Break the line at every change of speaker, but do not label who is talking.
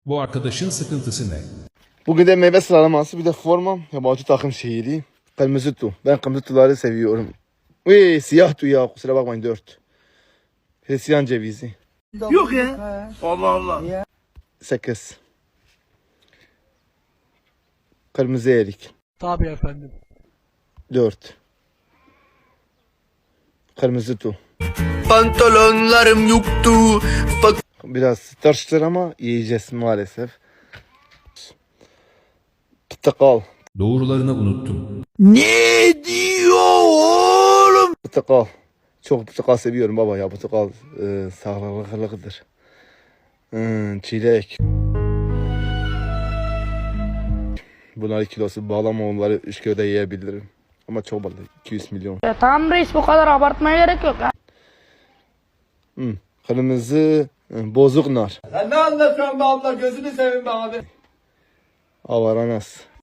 Bu arkadaşın sıkıntısı ne?
Bugün de meyve sıralaması bir de formam. Yabancı takım şehri. Kırmızı tu. Ben kırmızı tuları seviyorum. Uy, siyah tu ya. Kusura bakmayın 4. Hristiyan cevizi.
Yok ya. Allah Allah.
8. Kırmızı erik.
Tabii efendim.
4. Kırmızı tu.
Pantolonlarım yoktu.
Biraz tırstır ama yiyeceğiz maalesef. Portakal.
Doğrularını unuttum.
Ne diyor oğlum?
Portakal. Çok portakal seviyorum baba ya. Portakal sağlıklıdır. Çilek. Bunlar kilosu bağlama onları 3 köyde yiyebilirim. Ama çok balık. 200 milyon.
Tamam reis, bu kadar abartmaya gerek yok.
Kırmızı bozuk nar.
Sen ne anlatıyorsun be abla? Gözünü seveyim be abi.
Avaranas.